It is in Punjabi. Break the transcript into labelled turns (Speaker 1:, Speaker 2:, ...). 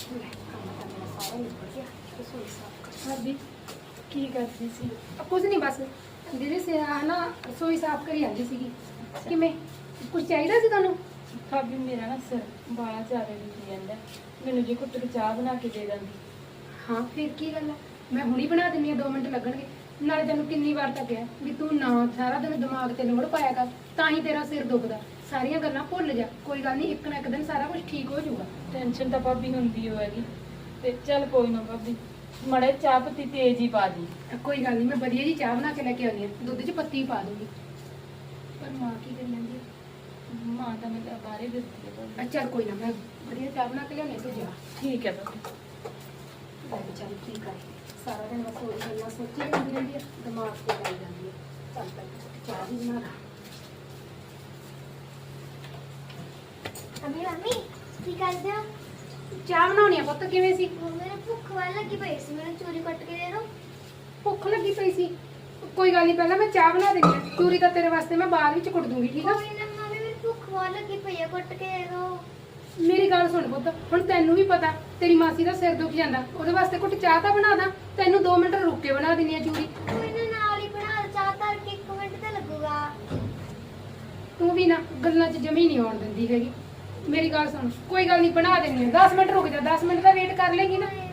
Speaker 1: ਲੈ ਕੰਮ ਤਾਂ ਮੇਰਾ ਸਾਰਾ ਨਿਬੜ ਗਿਆ। ਰਸੋਈ ਸਾਫ਼ ਕਰ।
Speaker 2: ਭਾਬੀ ਕੀ ਕਰਦੀ ਸੀ?
Speaker 1: ਕੁਝ ਨਹੀਂ ਬਸ ਦੀਦੀ ਸੇ ਨਾ ਰਸੋਈ ਸਾਫ਼ ਕਰੀ ਜਾਂਦੀ ਸੀਗੀ। ਕਿਵੇਂ ਕੁਝ ਚਾਹੀਦਾ ਸੀ ਤੁਹਾਨੂੰ?
Speaker 2: ਭਾਬੀ ਮੇਰਾ ਨਾ ਸਿਰ ਬਾਲਾ ਜ਼ਿਆਦਾ ਦੁਖੀ ਜਾਂਦਾ, ਮੈਨੂੰ ਜੇ ਘੁੱਟ ਕੇ ਚਾਹ ਬਣਾ ਕੇ ਦੇ ਦਿੰਦੀ।
Speaker 1: ਹਾਂ ਫਿਰ ਕੀ ਗੱਲ ਹੈ, ਮੈਂ ਹੁਣੀ ਬਣਾ ਦਿੰਦੀ ਹਾਂ, 2 ਮਿੰਟ ਲੱਗਣਗੇ। ਨਾਲੇ ਤੈਨੂੰ ਕਿੰਨੀ ਵਾਰ ਤਾਂ ਕਿਹਾ ਵੀ ਤੂੰ ਨਾ ਸਾਰਾ ਦਿਨ ਦਿਮਾਗ ਤੇ ਲੋੜ ਪਾਇਆ ਕਰ, ਤਾਂ ਹੀ ਤੇਰਾ ਸਿਰ ਦੁਖਦਾ। ਸਾਰੀਆਂ ਗੱਲਾਂ ਭੁੱਲ ਜਾ, ਕੋਈ ਗੱਲ ਨਹੀਂ, ਇੱਕ ਨਾ ਇੱਕ ਦਿਨ ਸਾਰਾ ਕੁਝ ਠੀਕ ਹੋ ਜਾਊਗਾ।
Speaker 2: ਟੈਨਸ਼ਨ ਤਾਂ ਭਾਬੀ ਹੁੰਦੀ ਹੋਏਗੀ, ਤੇ ਚੱਲ ਕੋਈ ਨਾ ਭਾਬੀ, ਮੜੇ ਚਾਹ ਪੱਤੀ ਤੇਜ਼ ਹੀ ਪਾ ਦੀ।
Speaker 1: ਕੋਈ ਗੱਲ ਨਹੀਂ, ਮੈਂ ਵਧੀਆ ਜੀ ਚਾਹ ਬਣਾ ਕੇ ਲੈ ਕੇ ਆਉਂਦੀ ਹਾਂ, ਦੁੱਧ 'ਚ ਪੱਤੀ ਪਾ ਦੂੰਗੀ। ਪਰ ਮਾਂ ਕੀ ਕਰੀ ਜਾਂਦੀ ਹੈ?
Speaker 2: ਮਾਂ ਤਾਂ ਮੈਨੂੰ ਬਾਹਰੇ ਦਿੱਤੀ ਹੈ ਭਾਬੀ।
Speaker 1: ਚੱਲ ਕੋਈ ਨਾ, ਮੈਂ ਵਧੀਆ ਚਾਹ ਬਣਾ ਕੇ ਲਿਆਉਣੀ, ਤੂੰ ਜਾ।
Speaker 2: ਠੀਕ ਹੈ ਭਾਬੀ।
Speaker 1: ਲੈ ਵਿਚਾਰੀ ਕੀ ਕਰੇ, ਸਾਰਾ ਦਿਨ ਬਸ ਉਹੀ ਗੱਲਾਂ ਸੋਚੀ ਜਾਂਦੀ ਰਹਿੰਦੀ ਹੈ, ਦਿਮਾਗ ਤੇ ਲਾਈ ਜਾਂਦੀ ਹੈ। ਚੱਲ ਤੱਕ ਚਾਹ ਵੀ ਬਣਾ ਲਾ।
Speaker 3: ਮੰਮੀ ਕੀ ਕਰਦੇ ਹੋ?
Speaker 1: ਚਾਹ ਬਣਾਉਣੀ ਆ ਪੁੱਤ, ਕਿਵੇਂ ਸੀ?
Speaker 3: ਮੈਨੂੰ ਭੁੱਖ ਵਾਲੀ ਲੱਗੀ ਪਈ ਸੀ, ਮੈਨੂੰ ਚੂਰੀ ਕੱਟ ਕੇ ਦੇ ਦਿਓ।
Speaker 1: ਭੁੱਖ ਲੱਗੀ ਪਈ ਸੀ? ਕੋਈ ਗੱਲ ਨਹੀਂ, ਪਹਿਲਾਂ ਮੈਂ ਚਾਹ ਬਣਾ ਦਿੰਦੀ ਹਾਂ, ਚੂਰੀ ਤਾਂ ਤੇਰੇ ਵਾਸਤੇ ਮੈਂ ਬਾਅਦ ਵਿੱਚ ਕੁੱਟ ਦੂੰਗੀ, ਠੀਕ ਆ?
Speaker 3: ਕੋਈ ਨਾ ਮੰਮੀ, ਮੈਨੂੰ ਭੁੱਖ ਵਾਲੀ ਲੱਗੀ ਪਈ ਹੈ, ਕੱਟ ਕੇ ਦੇ ਦਿਓ।
Speaker 1: ਮੇਰੀ ਗੱਲ ਸੁਣ ਪੁੱਤ, ਹੁਣ ਤੈਨੂੰ ਵੀ ਪਤਾ ਤੇਰੀ ਮਾਸੀ ਦਾ ਸਿਰ ਦੁਖ ਜਾਂਦਾ, ਉਹਦੇ ਵਾਸਤੇ ਕੁੱਟ ਚਾਹ ਤਾਂ ਬਣਾ ਦਾਂ। ਤੈਨੂੰ 2 ਮਿੰਟ ਰੁਕ ਕੇ ਬਣਾ ਦਿੰਦੀ ਆ ਚੂਰੀ।
Speaker 3: ਕੋਈ ਨਾ ਨਾਲ ਹੀ ਬਣਾ ਲਓ, ਚਾਹ ਧਰ ਕੇ 1 ਮਿੰਟ ਤਾਂ ਲੱਗੂਗਾ।
Speaker 1: ਤੂੰ ਵੀ ਨਾ ਗੱਲਾਂ 'ਚ ਜਮੀ ਨਹੀਂ ਆਉਣ ਦਿੰਦੀ ਹੈਗੀ। ਮੇਰੀ ਗੱਲ ਸੁਣ, ਕੋਈ ਗੱਲ ਨਹੀਂ, ਬਣਾ ਦਿੰਦੀ ਆ, 10 ਮਿੰਟ ਰੁਕ ਜਾ, 10 ਮਿੰਟ ਦਾ ਵੇਟ ਕਰ ਲੇਗੀ ਨਾ।